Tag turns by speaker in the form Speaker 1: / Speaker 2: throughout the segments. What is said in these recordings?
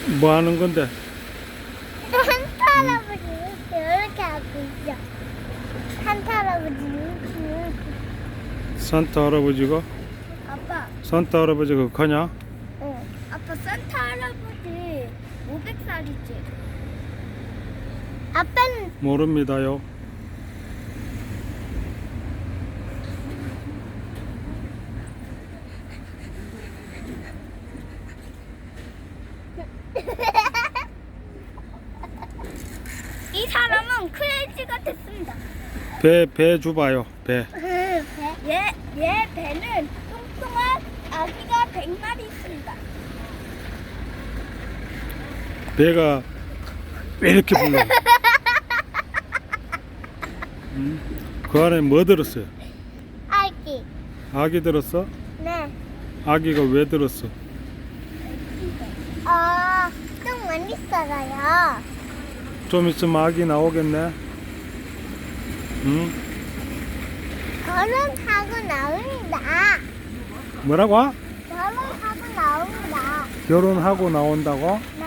Speaker 1: 뭐 하는 건데?
Speaker 2: 산타 할아버지 이렇게 하고 있어. 산타 할아버지 이렇게.
Speaker 1: 산타 할아버지가?
Speaker 2: 아빠.
Speaker 1: 산타 할아버지가 가냐?
Speaker 2: 응. 아빠 산타 할아버지 500살이지. 아빠는
Speaker 1: 모릅니다요.
Speaker 2: 이 사람은 크레이지가 됐습니다.
Speaker 1: 배 줘봐요. 배.
Speaker 2: 얘 배는 뚱뚱한 아기가 100마리 있습니다.
Speaker 1: 배가 왜 이렇게 불러? 그 안에 뭐 들었어요?
Speaker 2: 아기.
Speaker 1: 아기 들었어?
Speaker 2: 네.
Speaker 1: 아기가 왜 들었어?
Speaker 2: 좀 많이 살아요.
Speaker 1: 좀 있으면 아기 나오겠네. 응?
Speaker 2: 결혼하고 나옵니다.
Speaker 1: 뭐라고?
Speaker 2: 결혼하고 나옵니다.
Speaker 1: 결혼하고 나온다고?
Speaker 2: 네.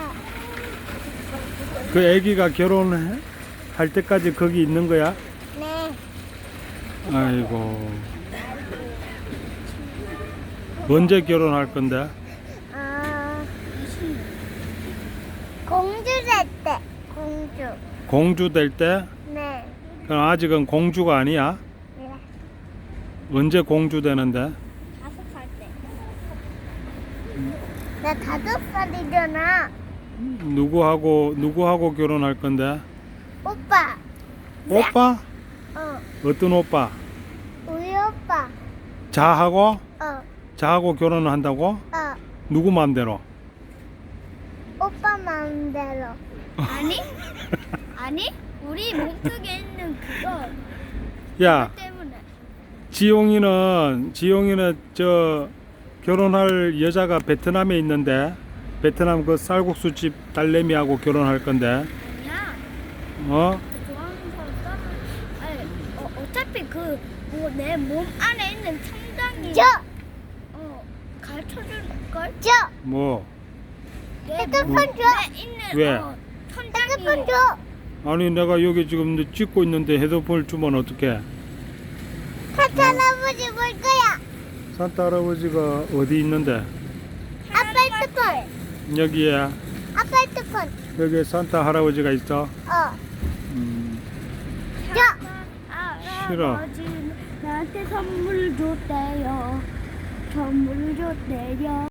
Speaker 1: 그 아기가 결혼할 때까지 거기 있는 거야?
Speaker 2: 네.
Speaker 1: 아이고. 언제 결혼할 건데?
Speaker 2: 공주 될 때. 공주.
Speaker 1: 공주 될 때?
Speaker 2: 네.
Speaker 1: 그럼 아직은 공주가 아니야?
Speaker 2: 네.
Speaker 1: 언제 공주 되는데?
Speaker 2: 5살 때. 나 5살이잖아.
Speaker 1: 누구하고 결혼할 건데?
Speaker 2: 오빠.
Speaker 1: 오빠?
Speaker 2: 어.
Speaker 1: 어떤 오빠?
Speaker 2: 우리 오빠.
Speaker 1: 자하고?
Speaker 2: 어.
Speaker 1: 자하고 결혼을 한다고?
Speaker 2: 어.
Speaker 1: 누구 마음대로?
Speaker 2: 오빠 마음대로. 아니? 우리 몸속에 있는 그거
Speaker 1: 야,
Speaker 2: 때문에.
Speaker 1: 지용이는 저 결혼할 여자가 베트남에 있는데 베트남 그 쌀국수집 딸내미하고 결혼할 건데.
Speaker 2: 아니야.
Speaker 1: 어?
Speaker 2: 좋아하는 사람 따로. 아니, 어차피 그 내 몸 안에 있는 천장이 가르쳐 줄 걸.
Speaker 1: 뭐?
Speaker 2: 핸드폰 줘. 있는
Speaker 1: 왜?
Speaker 2: 천장이. 핸드폰 줘.
Speaker 1: 아니 내가 여기 지금 찍고 있는데 헤드폰을 주면 어떡해?
Speaker 2: 산타 할아버지 볼 거야.
Speaker 1: 산타 할아버지가 어디 있는데?
Speaker 2: 아빠 핸드폰.
Speaker 1: 여기에
Speaker 2: 아빠 핸드폰.
Speaker 1: 여기 산타 할아버지가 있어?
Speaker 2: 줘.
Speaker 1: 싫어.
Speaker 2: 할아버지 나한테 선물 줬대요. 선물 줬대요.